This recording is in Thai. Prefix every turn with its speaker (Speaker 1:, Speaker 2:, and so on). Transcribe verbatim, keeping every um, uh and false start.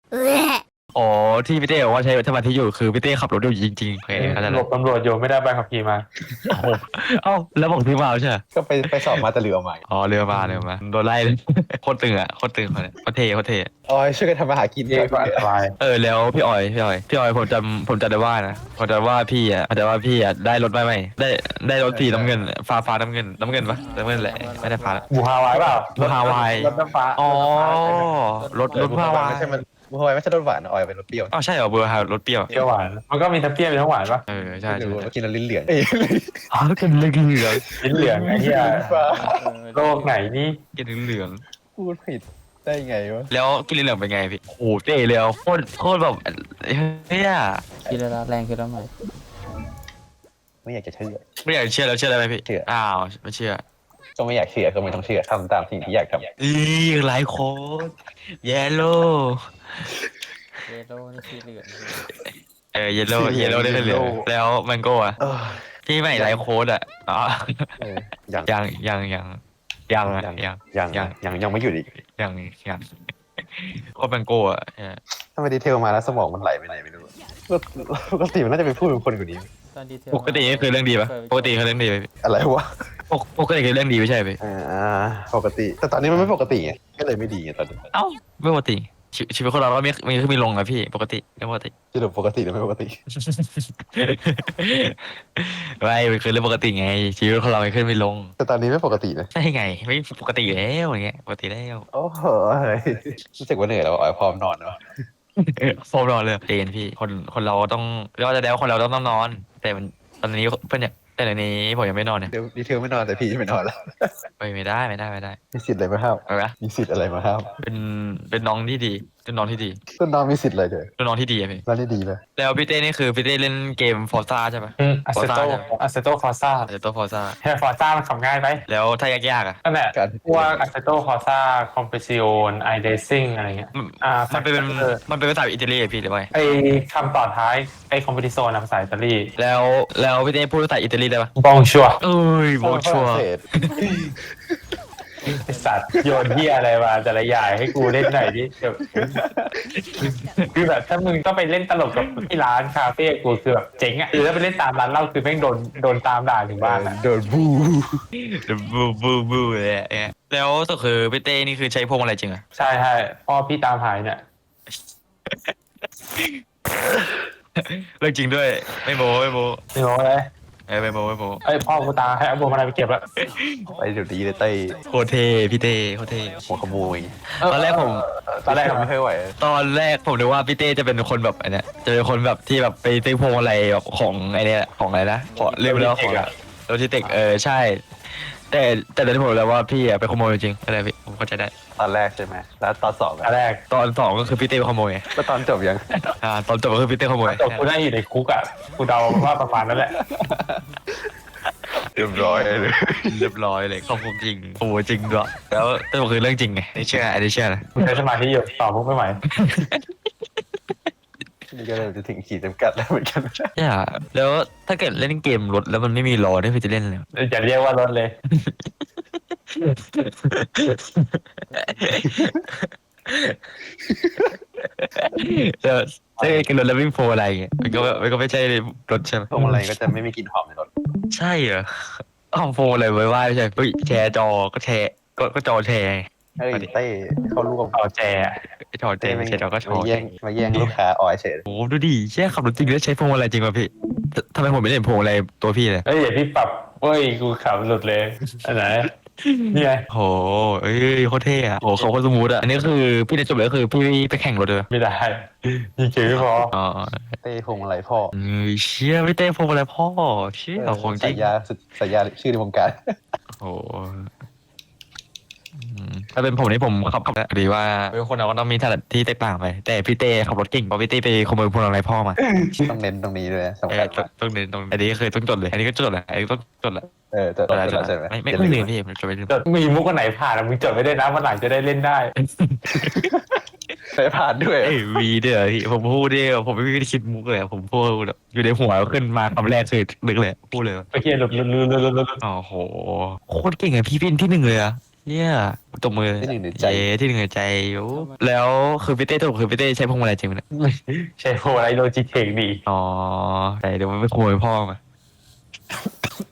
Speaker 1: อ๋อที่พี่เต้บอกว่าใช้สมาธิอยู่คือพี่เต้ขับรถอยู่จริงๆโอเคเข้าใจ
Speaker 2: หล
Speaker 1: แล้ว
Speaker 2: บตำรวจอยู่ไม่ได้ใบขับขี่มา
Speaker 1: โอ้โหเอ้าแล้วบอกพี่มาใช่ไหม
Speaker 3: ก็ไปไปสอบมาแต่เหลือใหม่
Speaker 1: อ๋อเรือมาเรือมาโดนไล่เลยโคตรตึงอ่ะโคตรตึงคนเนี้ยโคตรเท่โคตรเท่
Speaker 3: อ๋อช่วยกันทำมาหากิน
Speaker 2: เย่ก็อันตราย
Speaker 1: เออแล้วพี่ออยพี่ออยพี่ออยผมจำผมจำได้ว่านะผมจำว่าพี่อ่ะจำว่าพี่อ่ะได้รถไม่ไม่ได้ได้รถสีน้ำเงินฟ้าฟ้าน้ำเงินน้ำเงินปะน้ำเงินแหละไม่ได้ฟ้าละ
Speaker 2: บูฮาวายเปล่า
Speaker 1: บูฮาวาย
Speaker 2: รถน้ำฟ้า
Speaker 1: อ๋อรถรถ
Speaker 3: บุ
Speaker 1: พาวา
Speaker 3: ไม่ใช่มันบุฮาวายไม่ใช่รสหวานออยเป็นรสเปรี้ยว
Speaker 1: อ้าวใช่เหรอเบอร์ฮารถเปรี้ยว
Speaker 2: เปรี้ยวหวานมันก็มีทั้งเปรี้ยวมีทั้งหวานปะ
Speaker 1: เออใช่
Speaker 3: ไม่
Speaker 1: ใช่
Speaker 3: รู้
Speaker 1: ใช่
Speaker 3: ว่ากินแล้วลิ้นเหลืองเอ้ย
Speaker 1: อ๋อกินเหลืองเหลือง
Speaker 2: ลิ้นเหลืองไอ้เหี้ย
Speaker 3: ฟ้า
Speaker 2: โลกไหนนี่
Speaker 1: กินเหลือง
Speaker 3: พูดผิดได้ไงวะ
Speaker 1: แล้วกินเหลืองเป็นไงพี่โอ้โหเท่เลยอ่ะโคตรโคตรแบบเฮีย
Speaker 4: คิดแล้วแรงขึ้นแล้วไหม
Speaker 3: ไม่อยากจะเชื่อ
Speaker 1: ไม่อยากเชื่อแล้วเชื่อได้ไหมพี่
Speaker 3: เชื่อ
Speaker 1: อ้าวไม่เชื่อ
Speaker 3: ก็ไม่อยากเชื่อก็ไม่ต้องเชื่อทำตามสิ่งที่อยากทำ
Speaker 1: อีหลายคนเยลโล่
Speaker 4: เยลโล่นี่สีเหลือง
Speaker 1: เออเยลโล่เยลโล่ได้เหลืองแล้วแมงโก้อะ
Speaker 3: เออ
Speaker 1: ที่ไม่ไลฟ์โค้ดอะอ๋อ
Speaker 3: เออยัง
Speaker 1: ยังยังยังยังอะยัง
Speaker 3: ยัง
Speaker 1: ยั
Speaker 3: ยัง งยังยังไม่หยุดอีก
Speaker 1: ยังยังโค้ดแมงโก้อะเนี่ย
Speaker 3: ถ้าไปดีเทลมาแล้วสมองมันไหลไปไหนไม่รู้ปกติมันน่าจะไปพูดเป็นคนกว่านี้
Speaker 4: ตอนดีเทล
Speaker 1: ปกตินี่คือเรื่องดีปะปกติคือเรื่องดีไหมพี่
Speaker 3: อะไรวะ
Speaker 1: ปกปกติคือเรื่องดีไม่ใช่พี่
Speaker 3: อ่าปกติ แต่ตอนนี้มันไม่ปกติไงก็เลยไม่ดีไงตอนนี้
Speaker 1: เอ้าไม่ปกติชีชีวิตคนเราก็มีมีขึ้นมีลงอะพี่ปกติไม่ปกติ
Speaker 3: สรุปปกติหรือไม่ปกติ
Speaker 1: ไม่มันคือเรื่องปกติไงชีวิตคนเราไม่ขึ้นไม่ลง
Speaker 3: แต่ตอนนี้ไม่ปกตินะ
Speaker 1: ใช่ไงไม่ปกติอยู่แล้วอย่างเงี้ยปกติแล้ว
Speaker 3: โอ้โหรู้สึกว่าเหนื่อยแล้วอ๋อพร้อมนอนแล้ว
Speaker 1: โฟมนอนเลยเจนพี่คนคนเราต้องเรียกว่าจะแล้วคนเราต้องต้องนอน แต่มันตอนนี้เพื่อนเนี่ยแต่ในนี้ผมยังไม่นอนเนี่ย
Speaker 3: เดี๋ยวดีเทลไม่นอนแต่พี่ไม่นอนแล้ว
Speaker 1: ไปไม่ได้ไม่ได้ไม่ได้
Speaker 3: มีสิทธิ์อะไรมาห้าม
Speaker 1: เอาละ
Speaker 3: มีสิทธิ์อะไรมาห้าม
Speaker 1: เป็นเป็นน้องที่ดีเป็นน้องที่ดี
Speaker 3: ต้นน้องมีสิทธิ์อะไรเถอะ
Speaker 1: เป็นน้องที่ดีอะพี่
Speaker 3: แล้วนี่ดีไหม
Speaker 1: แล้วพี่เต้นี่คือพี่เต้เล่นเกมฟอร์ซ่าใช่ปะ
Speaker 2: อัสเซโต
Speaker 1: Forza
Speaker 2: อัสเซโตคอร์ซ่า
Speaker 1: เดี๋ยวตัวฟอร์ซ่า
Speaker 2: แค่ฟอร์ซ่ามันขับง่ายไป
Speaker 1: แล้วถ้ายากๆอะ
Speaker 2: นั่นแหละ
Speaker 3: การ
Speaker 2: พวกอัสเซโตคอร์ซ่าคอมเพซิโอนไอเดซิ่งอะไรเงี้ย
Speaker 1: มัน
Speaker 2: อ่า
Speaker 1: มันเป็น
Speaker 2: เออ
Speaker 1: มันเป็นภาษาอิตาลีอะพี่หรือว่าไง
Speaker 2: ไอคำต่อท้ายไอคอมเพติโซนภาษาอิตาลี
Speaker 1: แล้วแล้วพี่เต้พูดภาษาอิตาลีได้ปะ
Speaker 2: บองชัว
Speaker 1: เอ้ยโบชัว
Speaker 3: ฝรั่งเศส
Speaker 2: ไอสัตว์โยนเฮียอะไรมาแต่ละอย่างให้กูเล่นหน่อยดิเดี๋ยวคือแบบถ้ามึงต้องไปเล่นตลกกับที่ร้านคาเฟ่กูคือแบบเจ๋งอ่ะคือถ้าไปเล่นตามร้านเหล้าคือแม่งโดนโดนตามด่าถึงบ้านอ่ะ
Speaker 3: โดนบู
Speaker 1: บูบูบูเลยอะเนี่ยแล้วสุดคือพี่เต้นี่คือใช้พวงอะไรจริงอะ
Speaker 2: ใช่ใช่พ่อพี่ตามหายเนี่ย
Speaker 1: เรื่องจริงด้วยไม่โมไม่โม
Speaker 2: นี่บอกเลย
Speaker 1: เออไม่โมไม่โม
Speaker 2: ไอยพ่อกูตามให้เอาบัวมาอะไรไปเก็บแล้ว
Speaker 3: ไปเดี๋ยวดีเลยเต้
Speaker 1: โคตรเท่พี่เต้โคตรเท่
Speaker 3: หัวขโมย
Speaker 1: ตอนแรกผม
Speaker 2: ตอนแรก
Speaker 3: ไม่เคยไหว
Speaker 1: ตอนแรกผมนึกว่าพี่เต้จะเป็นคนแบบไอ้เนี้ยจะเป็นคนแบบที่แบบไปซื้อพวงอะไรแบบของไอ้เนี้ยของอะไรนะขอเรียกไปแล้วของโลจิเทคเออใช่ แต่แต่ตอนที่ผมรู้แล้วว่าพี่อะไปขโมยจริงอะไรพี่ผมเข้าใจได้
Speaker 3: ตอนแรกใช่ไหมแล้วตอนสอง
Speaker 2: ตอน
Speaker 3: อะ
Speaker 2: แรก
Speaker 1: ตอนสองก็คือพี่เต้ไปขโมยไง
Speaker 3: แล้วตอนจบยัง
Speaker 1: อ่าตอนจบก็คือพี่เต้ขโมย
Speaker 2: จบกูได้อยู่ในคุกอ่ะกูเดาว่าประมาณนั้นแหละ
Speaker 3: เรียบร้อยเลย
Speaker 1: เรียบร้อยเลยขอบคุณจริงโอ้โหจริงด้วยแล้วแต่มันคือเรื่องจริงไงไม่เชื่ออันนี้เชื่อนะ
Speaker 2: กูใช้สมาธิอยู่ตอบมุกไม่ไหว
Speaker 3: นี่ก็เริ่มจะถึงขีดจำกัดแล้วเหมือนกัน
Speaker 1: เนี่ยแล้วถ้าเกิดเล่นเกมรถแล้วมันไม่มีล้อได้พี่จะเล่นอะไรวะ
Speaker 2: อย่าเรียกว่ารถเลย
Speaker 1: แล้วถ้าเกิดรถแล้ววิ่งโฟอะไรเงี้ยมันก็มันก็ไม่ใช่รถใช่ไหม
Speaker 3: พวงมาลัยก็จะไม่มีกลิ่นหอมในรถ
Speaker 1: ใช่เหรออ้าวโฟอะไรไว้ว่าไม่ใช่เฮ้ยแชร์จอก็แชร์ก็ก็จอแชร์
Speaker 3: เฮ้ยเต้เขาร่วม
Speaker 2: เอาแจ
Speaker 1: จอแชร์ไม่ใช่จอก็จอ
Speaker 3: มาแย่งมาแย่งลูกค้าออยเฉย
Speaker 1: โอ้โหดูดิแช่ขับรถจริงแล้วใช้พวงอะไรจริงป่ะพี่ททำไมผมไม่เห็นพวงอะไรตัวพี่เลย
Speaker 2: เอ้ยอย่าพี่ปรับเฮ้ยกูขับหลุดเลยอันไหนนี่ไง
Speaker 1: โหเอ้ยโคตรเท่อะโหเขาโคตรสมูทอะอันนี้คือพี่ได้จบเลยก็คือพี่ไปแข่งรถเลย
Speaker 2: ไม่ได้ยิงเฉยไม่พอ
Speaker 1: อ๋อ
Speaker 3: เต้พวงมาลัยพ่อ
Speaker 1: เอ้ยเชี่ยพี่เต้พวงอะไรพ่อเชี่ยของจริ
Speaker 3: สาง ยยาสุดสายยาชื่อในวงการ
Speaker 1: โอ้โหอืมถ้าเป็นผมนี่ผมขับขับดีว่าเป็นคนเราก็ต้องมีถนัดที่แตกต่างไป แต่พี่เต้ขับรถเก่งเพราะพี่เต้ไปขโมยพวงอะไรพ่อมา
Speaker 3: ต้องเน้นตรงนี้ด้วยนะสำ
Speaker 1: เอ
Speaker 3: คั
Speaker 1: อ
Speaker 3: ญ
Speaker 1: ต้องต้องเน้นตรงอันนี้เคยต้องจดเลย อันนี้ก็จดแหละอันนี้ต้องจดแหละ
Speaker 3: เออจะ
Speaker 1: จดแล้วจ
Speaker 3: จะ
Speaker 1: ด
Speaker 3: ใช่
Speaker 1: แล้ว
Speaker 3: ไหม
Speaker 1: ไม่ไม่ไม่ลืมพี่ผมจดไม่ลืม
Speaker 2: จดมีมุกอันไหนผ่านอะมึงจดไม่ได้นะวันหลังจะได้เล่นได้
Speaker 3: ใช้ผ่านด้วย
Speaker 1: เอ้ยวีเด้อพี่ผมพูดเด้อผมไม่ได้คิดมุกเลยอะผมพูดแบบอยู่ในหัวขึ้นมาคำแรกคือนึกเลยพูดเลย
Speaker 2: ไปเคียนหลุดหลุดหลุดหลุดหลุดหลุด
Speaker 1: โอ้โหโคตรเก่งอะพี่เป็นที่หนึ่งเลยอะเนี่ยตบมือ
Speaker 3: ที่หนึ่งในใจ
Speaker 1: เย้ที่หนึ่งในใจอยู่แล้วคือพี่เต้ถูกคือพี่เต้ใช้พวงมาลัยจริงไหมเนี่ย
Speaker 2: ใช่โหอะไรโลจิเทคดี
Speaker 1: อ๋อแต่เดี๋ยวมันไม่ขโมยพ่อมา